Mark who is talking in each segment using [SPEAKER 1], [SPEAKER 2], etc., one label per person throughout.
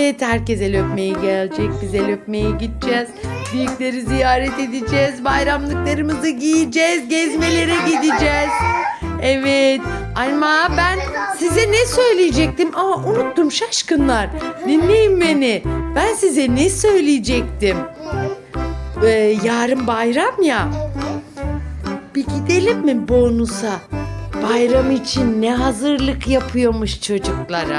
[SPEAKER 1] Evet, herkes el öpmeye gelecek. Biz el öpmeye gideceğiz. Büyükleri ziyaret edeceğiz. Bayramlıklarımızı giyeceğiz. Gezmelere gideceğiz. Evet. Ama ben size ne söyleyecektim? Unuttum şaşkınlar. Dinleyin beni. Ben size ne söyleyecektim? Yarın bayram ya. Bir gidelim mi bonusa? Bayram için ne hazırlık yapıyormuş çocuklara?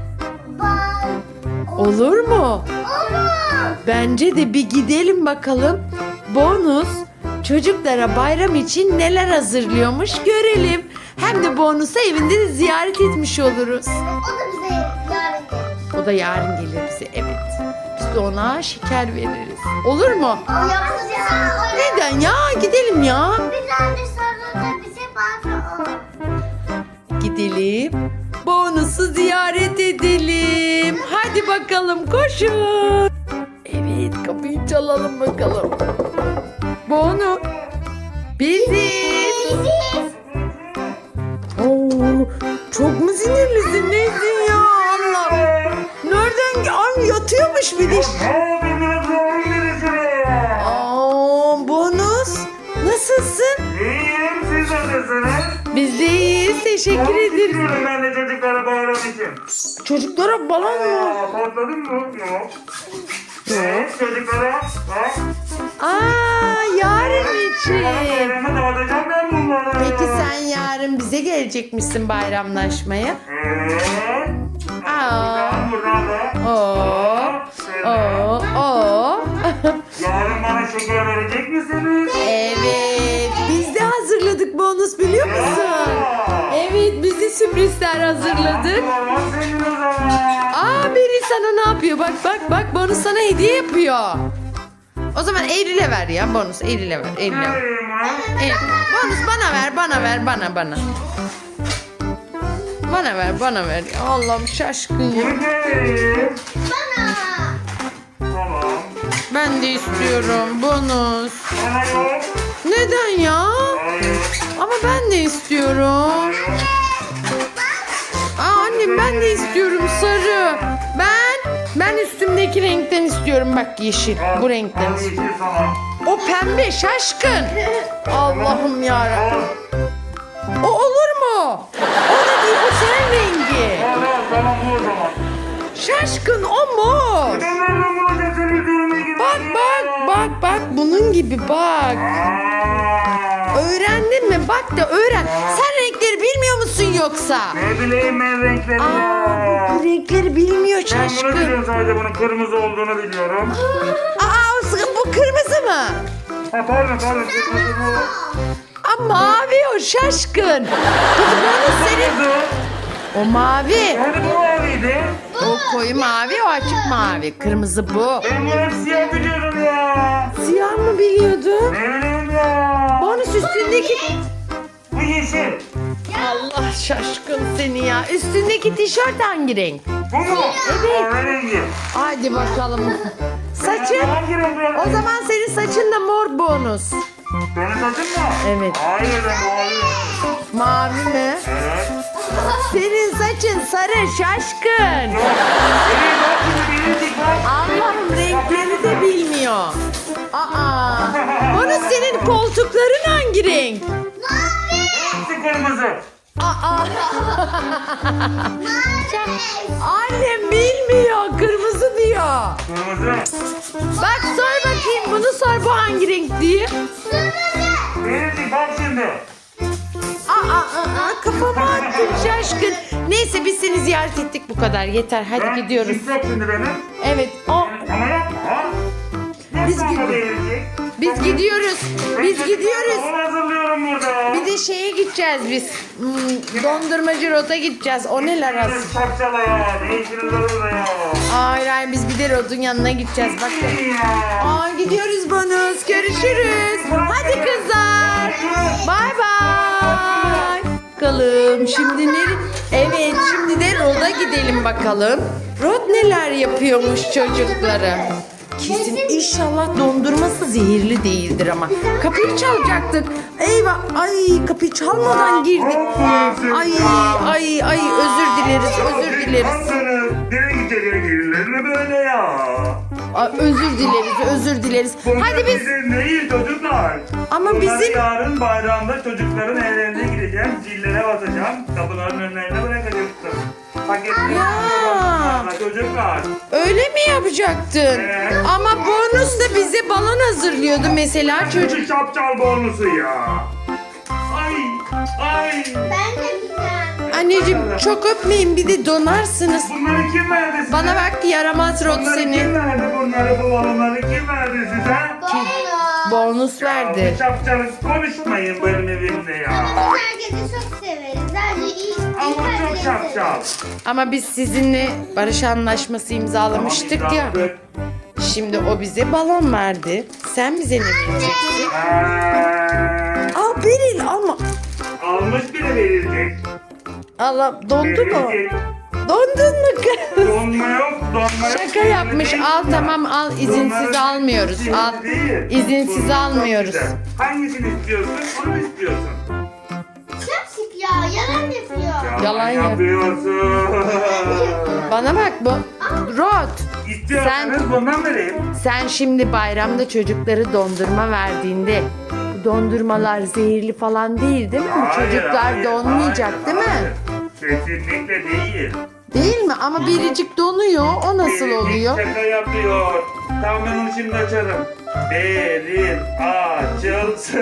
[SPEAKER 1] Olur mu?
[SPEAKER 2] Olur.
[SPEAKER 1] Bence de bir gidelim bakalım. Bonus çocuklara bayram için neler hazırlıyormuş görelim. Hem de bonusa evinde de ziyaret etmiş oluruz.
[SPEAKER 2] O da bize yarın gelir.
[SPEAKER 1] O da yarın gelir bize, evet. Biz de ona şeker veririz. Olur mu?
[SPEAKER 2] Yapacağız.
[SPEAKER 1] Neden ya? Gidelim ya.
[SPEAKER 2] Bir tane sonra bize patron.
[SPEAKER 1] Gidelim. Bonusu ziyaret edelim. Hadi bakalım, koşun. Evet, kapıyı çalalım bakalım. Bonus. Biziz. Çok mu sinirlisin? Nesin ya Allah? Nereden? Yatıyormuş bir de. Bonus. Nasılsın?
[SPEAKER 3] İyiyim, siz nasılsınız?
[SPEAKER 1] Biz de iyiyiz. Teşekkür ederiz.
[SPEAKER 3] İstiyorum ben de çocuklara bayram için.
[SPEAKER 1] Çocuklara balon mu?
[SPEAKER 3] Patladın mı? Yok. Evet, çocuklara.
[SPEAKER 1] Yarın için.
[SPEAKER 3] Bayramı dağıtacağım ben bunları.
[SPEAKER 1] Peki sen yarın bize gelecekmişsin bayramlaşmaya.
[SPEAKER 3] Evet. Buradan da. Yarın bana şeker verecek misiniz?
[SPEAKER 1] Evet. Biz de hazırladık bonus, biliyor musun? Evet, biz de sürprizler hazırladık.
[SPEAKER 3] Allah senin o zaman.
[SPEAKER 1] Biri sana ne yapıyor? Bak bonus sana hediye yapıyor. O zaman Eylül'e ver ya bonus. Eylül'e ver.
[SPEAKER 3] Vereyim ha.
[SPEAKER 1] Bonus bana ver. Bana ver. Allah'ım şaşkın ya.
[SPEAKER 3] Bunu vereyim. Tamam.
[SPEAKER 1] Ben de istiyorum bonus.
[SPEAKER 3] Bana yok.
[SPEAKER 1] Neden ya?
[SPEAKER 3] Hayır.
[SPEAKER 1] Ama ben de istiyorum. Annem, ben de istiyorum sarı. Ben üstümdeki renkten istiyorum, bak yeşil. Bu renkten.
[SPEAKER 3] Al yeşil sana.
[SPEAKER 1] O pembe şaşkın. Allah'ım yarabbim. O olur mu? O da değil, o senin rengi.
[SPEAKER 3] Tamam bu o zaman.
[SPEAKER 1] Şaşkın o mor.
[SPEAKER 3] Ben nereden bulacağım senin düğüne gibi?
[SPEAKER 1] Bak bunun gibi bak. Öğrendin mi? Bak da öğren. Sen renkleri bilmiyor musun yoksa?
[SPEAKER 3] Ne bileyim ben renkleri ya.
[SPEAKER 1] Bu renkleri bilmiyor
[SPEAKER 3] Ben bunu
[SPEAKER 1] şaşkın.
[SPEAKER 3] biliyorum, sadece bunun kırmızı olduğunu biliyorum.
[SPEAKER 1] Bu kırmızı mı?
[SPEAKER 3] Pardon kırmızı bu.
[SPEAKER 1] Mavi o şaşkın. Kızım onu senin.
[SPEAKER 3] Kırmızı.
[SPEAKER 1] O mavi.
[SPEAKER 3] Hani bu maviydi.
[SPEAKER 1] O koyu mavi, o açık mavi. Kırmızı bu.
[SPEAKER 3] Ben bunu hep siyah biliyorum ya.
[SPEAKER 1] Siyah mı biliyordun?
[SPEAKER 3] Ne bileyim ya.
[SPEAKER 1] Bonus üstündeki...
[SPEAKER 3] Bu yeşil.
[SPEAKER 1] Allah şaşkın seni ya. Üstündeki tişört hangi renk?
[SPEAKER 3] Bu mu?
[SPEAKER 1] Evet.
[SPEAKER 3] Kahverengi.
[SPEAKER 1] Hadi bakalım. Saçın?
[SPEAKER 3] Hangi renk bu?
[SPEAKER 1] O zaman senin saçın da mor bonus.
[SPEAKER 3] Senin saçın mı?
[SPEAKER 1] Evet.
[SPEAKER 3] Hayır ben mavi.
[SPEAKER 1] Mavi mi?
[SPEAKER 3] Evet.
[SPEAKER 1] Senin saçın sarı şaşkın.
[SPEAKER 3] Evet bak şimdi bilindik bak.
[SPEAKER 1] Allah'ım renkleri de bilmiyor. Bonus, senin koltukların hangi renk?
[SPEAKER 3] Hepsi kırmızı.
[SPEAKER 1] Annem bilmiyor. Kırmızı diyor.
[SPEAKER 3] Kırmızı.
[SPEAKER 1] Bak sor bakayım, bunu sor, bu hangi renk diye.
[SPEAKER 3] Bilindik bak şimdi.
[SPEAKER 1] Kafama attın şaşkın. Neyse, biz seni ziyaret ettik, bu kadar yeter. Hadi
[SPEAKER 3] Ben
[SPEAKER 1] gidiyoruz.
[SPEAKER 3] çift yok şimdi benim.
[SPEAKER 1] Evet.
[SPEAKER 3] Ama yapma ha.
[SPEAKER 1] Biz
[SPEAKER 3] Yapma
[SPEAKER 1] gidiyoruz.
[SPEAKER 3] değilecek.
[SPEAKER 1] Biz gidiyoruz. Biz gidiyoruz.
[SPEAKER 3] Onu hazırlıyorum burada.
[SPEAKER 1] Bir de şeye gideceğiz biz. Dondurmacı Rot'a gideceğiz. O neler az.
[SPEAKER 3] Şapşala ya. Ne işiniz var orada ya?
[SPEAKER 1] Hayır, biz bir de Rod'un yanına gideceğiz. Bak.
[SPEAKER 3] İyi ya.
[SPEAKER 1] Gidiyoruz bonus. Görüşürüz. Hadi kızlar. Bay bay. Bakalım şimdi Evet, şimdi de Rod'a gidelim bakalım. Rod neler yapıyormuş çocuklara. Kesin inşallah dondurması zehirli değildir ama. Kapıyı çalacaktık. Eyvah, kapıyı çalmadan girdik. Ay özür dileriz.
[SPEAKER 3] Nereye gidecek? Gelirler mi? ne böyle ya?
[SPEAKER 1] Özür dileriz, özür dileriz.
[SPEAKER 3] Bunlar
[SPEAKER 1] Hadi biz...
[SPEAKER 3] bizim değil çocuklar.
[SPEAKER 1] Ama
[SPEAKER 3] Bunları
[SPEAKER 1] bizim-
[SPEAKER 3] yarın bayramda çocukların evlerine gideceğim. Zillere basacağım. Kapıların önlerine bırakacaksın. Paketleri
[SPEAKER 1] Ya.
[SPEAKER 3] çocuklar.
[SPEAKER 1] Öyle mi yapacaktın?
[SPEAKER 3] Evet.
[SPEAKER 1] Ama bonus da bize balon hazırlıyordu mesela çocuk.
[SPEAKER 3] Çocuk şapçal bonusu ya. Ay. Ay.
[SPEAKER 2] Ben de güzel.
[SPEAKER 1] Anneciğim çok öpmeyin, bir de donarsınız.
[SPEAKER 3] Bunları kim verdi size?
[SPEAKER 1] Bana bak yaramaz Rod
[SPEAKER 3] Bunları
[SPEAKER 1] seni.
[SPEAKER 3] kim verdi bunları, bu balonları kim verdi size?
[SPEAKER 1] Bonus
[SPEAKER 3] Ya,
[SPEAKER 1] verdi.
[SPEAKER 3] bu şapçalık konuşmayın benim evimde ya.
[SPEAKER 2] Biz herkesi çok severiz. Sadece iyi
[SPEAKER 3] Ama çok
[SPEAKER 2] herkesi
[SPEAKER 3] şapçal.
[SPEAKER 1] Ama biz sizinle barış anlaşması imzalamıştık
[SPEAKER 3] Tamam,
[SPEAKER 1] ya.
[SPEAKER 3] imzaladık.
[SPEAKER 1] Şimdi o bize balon verdi. Sen bize ne vereceksin? Al Beril alma.
[SPEAKER 3] Almış bile verilecek.
[SPEAKER 1] Allah dondu mu?
[SPEAKER 3] Verilecek.
[SPEAKER 1] Dondun mu kız?
[SPEAKER 3] Donma yok, donma yok.
[SPEAKER 1] Şaka yapmış.
[SPEAKER 3] Değil
[SPEAKER 1] Al
[SPEAKER 3] ya.
[SPEAKER 1] tamam al, izinsiz
[SPEAKER 3] Bunların
[SPEAKER 1] almıyoruz.
[SPEAKER 3] izinli
[SPEAKER 1] Al.
[SPEAKER 3] değil.
[SPEAKER 1] İzinsiz
[SPEAKER 3] Bunlar
[SPEAKER 1] almıyoruz.
[SPEAKER 3] çok güzel. Hangisini istiyorsun? Onu mu istiyorsun?
[SPEAKER 2] Şapşik ya. Yalan yapıyor.
[SPEAKER 1] Yalan yap-
[SPEAKER 3] yapıyorsun.
[SPEAKER 1] Bana bak bu. Rod.
[SPEAKER 3] İstiyorsanız bundan vereyim.
[SPEAKER 1] Sen şimdi bayramda çocukları dondurma verdiğinde bu dondurmalar zehirli falan değil değil mi? Bu
[SPEAKER 3] Hayır,
[SPEAKER 1] çocuklar
[SPEAKER 3] hayır,
[SPEAKER 1] donmayacak
[SPEAKER 3] hayır,
[SPEAKER 1] değil mi?
[SPEAKER 3] hayır. Kesinlikle değil.
[SPEAKER 1] Değil mi? Ama biricik donuyor. O nasıl
[SPEAKER 3] Biricik
[SPEAKER 1] oluyor?
[SPEAKER 3] Şaka yapıyor. Tamam ben onu şimdi açarım. Beril açılsın.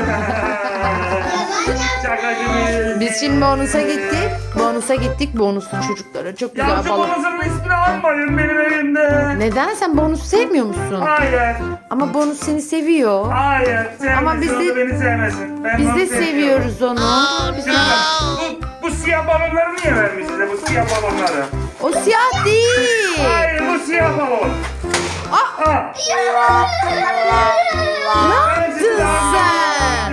[SPEAKER 3] Şaka gibi.
[SPEAKER 1] Biz şimdi bonusa gittik. Bonusa gittik. Bonuslu çocuklara çok
[SPEAKER 3] Ya
[SPEAKER 1] güzel
[SPEAKER 3] şu
[SPEAKER 1] balon.
[SPEAKER 3] bonusunun ismini almayın benim evimde.
[SPEAKER 1] Neden? Sen bonus sevmiyor musun?
[SPEAKER 3] Hayır.
[SPEAKER 1] Ama bonus seni seviyor.
[SPEAKER 3] Hayır.
[SPEAKER 1] Ama
[SPEAKER 3] Sevmesin,
[SPEAKER 1] biz de-
[SPEAKER 3] o da beni sevmesin. Ben
[SPEAKER 1] Biz
[SPEAKER 3] onu
[SPEAKER 1] de
[SPEAKER 3] seviyorum.
[SPEAKER 1] seviyoruz onu. Biz de-
[SPEAKER 3] Bu siyah balonları niye vermiş size bu siyah balonları?
[SPEAKER 1] O siyah değil.
[SPEAKER 3] Hayır bu siyah balon.
[SPEAKER 1] Aa,
[SPEAKER 3] Ha.
[SPEAKER 1] ne yaptın sen?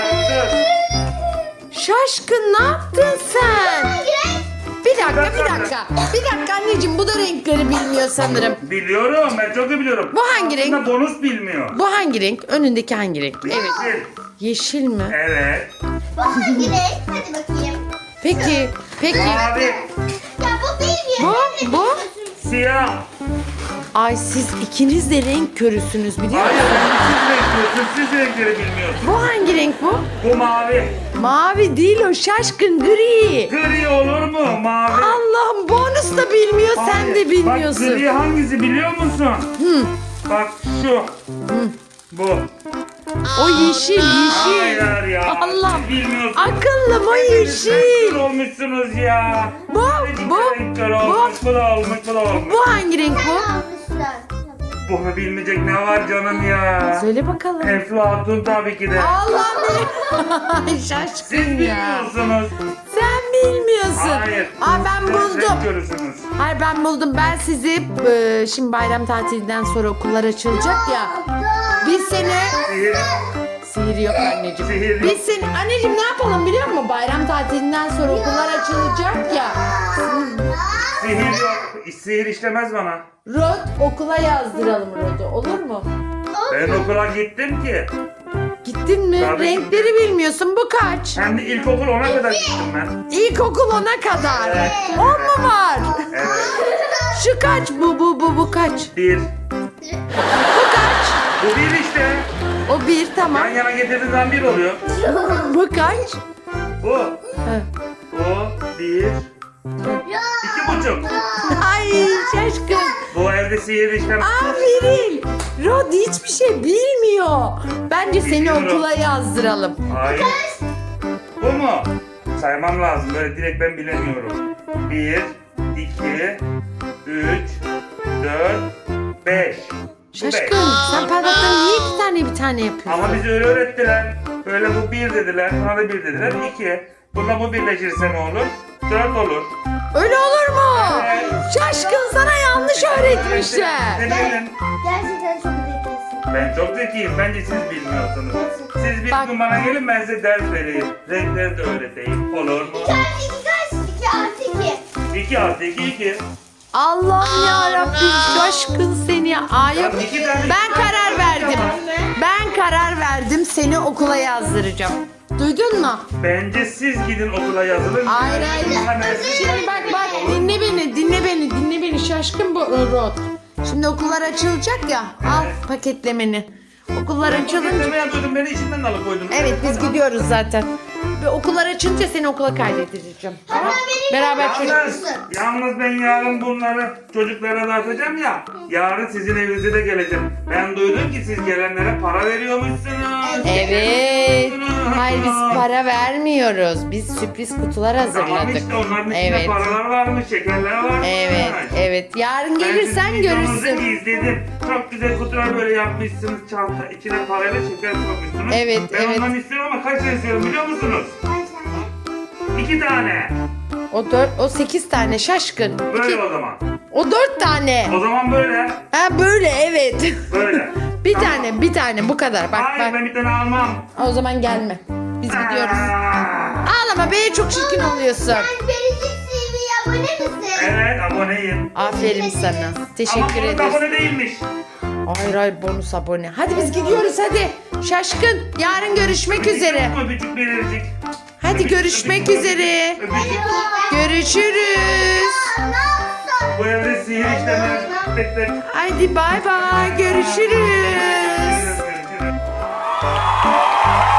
[SPEAKER 1] Şaşkın ne yaptın sen? Bir dakika. Bir dakika anneciğim, bu da renkleri bilmiyor sanırım.
[SPEAKER 3] Biliyorum ben çok iyi biliyorum.
[SPEAKER 1] Bu hangi renk?
[SPEAKER 3] Aslında bonus bilmiyor.
[SPEAKER 1] Bu hangi renk? Önündeki hangi renk? Evet.
[SPEAKER 3] Yeşil.
[SPEAKER 1] Yeşil mi?
[SPEAKER 3] Evet.
[SPEAKER 2] Bu hangi renk? Hadi bakayım.
[SPEAKER 1] Peki.
[SPEAKER 3] Mavi.
[SPEAKER 2] Ya bu bilmiyor.
[SPEAKER 1] Bu?
[SPEAKER 3] Siyah.
[SPEAKER 1] Ay siz ikiniz de renk körüsünüz biliyor
[SPEAKER 3] Hayır
[SPEAKER 1] musun?
[SPEAKER 3] siz renk diyorsun. Siz renkleri bilmiyorsunuz.
[SPEAKER 1] Bu hangi renk bu?
[SPEAKER 3] Bu mavi.
[SPEAKER 1] Mavi değil o, şaşkın gri.
[SPEAKER 3] Gri olur mu? Mavi.
[SPEAKER 1] Allah'ım bonus da bilmiyor, sen
[SPEAKER 3] Hayır.
[SPEAKER 1] de bilmiyorsun.
[SPEAKER 3] Bak gri hangisi biliyor musun? Bak şu. Bu.
[SPEAKER 1] O yeşil.
[SPEAKER 3] Hayır ya.
[SPEAKER 1] Allah'ım.
[SPEAKER 3] Siz bilmiyorsunuz.
[SPEAKER 1] Akıllım o
[SPEAKER 3] Hepiniz
[SPEAKER 1] yeşil.
[SPEAKER 3] renkli olmuşsunuz ya.
[SPEAKER 1] Bu,
[SPEAKER 3] Hepiniz
[SPEAKER 1] bu,
[SPEAKER 3] renkli
[SPEAKER 1] bu.
[SPEAKER 3] olmuş. Bu da olmuş. Bu da olmuş.
[SPEAKER 1] Bu hangi renk bu?
[SPEAKER 2] Almışlar.
[SPEAKER 3] Bunu bilmeyecek ne var canım ya?
[SPEAKER 1] Söyle bakalım.
[SPEAKER 3] Eflatun tabii ki de.
[SPEAKER 1] Allah'ım.
[SPEAKER 3] Siz
[SPEAKER 1] Şaşkın ya.
[SPEAKER 3] bilmiyorsunuz.
[SPEAKER 1] Sen bilmiyorsun.
[SPEAKER 3] Hayır.
[SPEAKER 1] Ben
[SPEAKER 3] Siz
[SPEAKER 1] buldum.
[SPEAKER 3] renk görürsünüz.
[SPEAKER 1] Hayır ben buldum. Ben sizi şimdi bayram tatilinden sonra okullar açılacak ya. Biz seni...
[SPEAKER 3] Sihir.
[SPEAKER 1] Sihir yok anneciğim.
[SPEAKER 3] Sihir yok.
[SPEAKER 1] Biz seni... Anneciğim ne yapalım biliyor musun? Bayram tatilinden sonra okullar açılacak ya.
[SPEAKER 3] Sihir yok. Sihir işlemez bana.
[SPEAKER 1] Rod okula yazdıralım Rod'u. Olur mu?
[SPEAKER 3] Ben okula gittim ki.
[SPEAKER 1] Gittin mi?
[SPEAKER 3] Tabii.
[SPEAKER 1] Renkleri bilmiyorsun. Bu kaç?
[SPEAKER 3] Hem de ilkokul 10'a kadar gittim ben.
[SPEAKER 1] İlkokul 10'a kadar.
[SPEAKER 3] Evet.
[SPEAKER 1] 10 mu var?
[SPEAKER 3] Evet.
[SPEAKER 1] Şu kaç? Bu kaç?
[SPEAKER 3] Bir.
[SPEAKER 1] Bu kaç?
[SPEAKER 3] Bu bir işte.
[SPEAKER 1] O bir tamam.
[SPEAKER 3] Yan yana getirdiğin zaman bir oluyor.
[SPEAKER 1] Bu kaç?
[SPEAKER 3] Bu.
[SPEAKER 1] Ha.
[SPEAKER 3] Bu. Bir. 2,5.
[SPEAKER 1] Ay şaşkın.
[SPEAKER 3] Bu evde sihir işlemez.
[SPEAKER 1] Aferin. Rod hiçbir şey bilmiyor. Bence seni
[SPEAKER 3] Bilmiyorum.
[SPEAKER 1] okula yazdıralım.
[SPEAKER 3] Hayır. Bu mu? Saymam lazım. Böyle direkt ben bilemiyorum. 1, 2, 3, 4, 5.
[SPEAKER 1] Şaşkın sen parmaklarını niye iki tane bir tane yapıyorsun?
[SPEAKER 3] Ama bizi öyle öğrettiler. Böyle bu 1 dediler. Bana da 1 dediler. 2. Bunda bu birleşirse ne olur? 4 olur.
[SPEAKER 1] Öyle olur mu?
[SPEAKER 3] Evet.
[SPEAKER 1] Şaşkın sana yanlış öğretmişler.
[SPEAKER 3] Ne bileyim.
[SPEAKER 2] Gerçekten çok zekisin.
[SPEAKER 3] Ben çok zekiyim. Bence siz bilmiyorsunuz. Siz bir
[SPEAKER 1] Bak.
[SPEAKER 3] gün bana gelin ben size ders vereyim. Renkleri de öğreteyim. Olur mu?
[SPEAKER 2] 2 artı 2 kaç? 2 artı 2.
[SPEAKER 3] 2 artı 2 2.
[SPEAKER 1] Allah'ım yarabbim şaşkın seni. Ay yok.
[SPEAKER 3] Ya iki tane-
[SPEAKER 1] Ben karar verdim. Ben karar verdim, seni okula yazdıracağım. Duydun mu?
[SPEAKER 3] Bence siz gidin okula yazılın.
[SPEAKER 1] Hayır hayır. Şimdi bak dinle beni şaşkın bu Rod. Şimdi okullar açılacak ya. Al paketlemeni. Okullar açılınca.
[SPEAKER 3] Paketleme yapıyordum, beni içinden alıkoydun.
[SPEAKER 1] Evet biz gidiyoruz zaten. Ve okullar açınca seni okula kaydedeceğim. Tamam. Beraber çocuk.
[SPEAKER 3] Yalnız ben yarın bunları çocuklara dağıtacağım ya. Yarın sizin evinize de geleceğim. Ben duydum ki siz gelenlere para veriyormuşsunuz.
[SPEAKER 1] Evet. Hayır biz para vermiyoruz. Biz sürpriz kutular
[SPEAKER 3] Tamam
[SPEAKER 1] hazırladık.
[SPEAKER 3] işte onların içinde
[SPEAKER 1] Evet.
[SPEAKER 3] paralar varmış, şekerler varmış.
[SPEAKER 1] Evet, evet. Yarın
[SPEAKER 3] Ben
[SPEAKER 1] gelirsen
[SPEAKER 3] sizin videonuzu
[SPEAKER 1] görürsün.
[SPEAKER 3] izledim. Çok güzel kutular böyle yapmışsınız. Çanta içine parayla şeker koymuşsunuz.
[SPEAKER 1] Evet,
[SPEAKER 3] ben
[SPEAKER 1] evet.
[SPEAKER 3] ondan istiyorum ama kaç tane istiyorum biliyor musunuz?
[SPEAKER 2] Kaç tane?
[SPEAKER 3] 2 tane.
[SPEAKER 1] O 8 tane şaşkın.
[SPEAKER 3] Böyle o zaman.
[SPEAKER 1] O 4 tane.
[SPEAKER 3] O zaman böyle.
[SPEAKER 1] Ha böyle evet.
[SPEAKER 3] Böyle.
[SPEAKER 1] bir
[SPEAKER 3] Tamam.
[SPEAKER 1] bir tane bu kadar. Bak
[SPEAKER 3] Hayır
[SPEAKER 1] bak.
[SPEAKER 3] ben bir tane almam.
[SPEAKER 1] O zaman gelme. Biz gidiyoruz.
[SPEAKER 3] Aa.
[SPEAKER 1] Ağlama be çok çirkin oluyorsun.
[SPEAKER 2] Sen Biricik TV'ye abone misin?
[SPEAKER 3] Evet aboneyim.
[SPEAKER 1] Aferin sana. Teşekkür
[SPEAKER 3] Ama bunun
[SPEAKER 1] ederiz.
[SPEAKER 3] abone değilmiş.
[SPEAKER 1] Hayır hayır bonus abone. Hadi biz gidiyoruz hadi. Şaşkın. Yarın görüşmek üzere.
[SPEAKER 3] Yok mu öpücük verecek?
[SPEAKER 1] Hadi görüşmek üzere.
[SPEAKER 3] Öpücük.
[SPEAKER 1] Görüşürüz.
[SPEAKER 3] Bu evde sihir işlemez. Bekle.
[SPEAKER 1] Hadi bay bay. Görüşürüz.
[SPEAKER 3] Görüşürüz.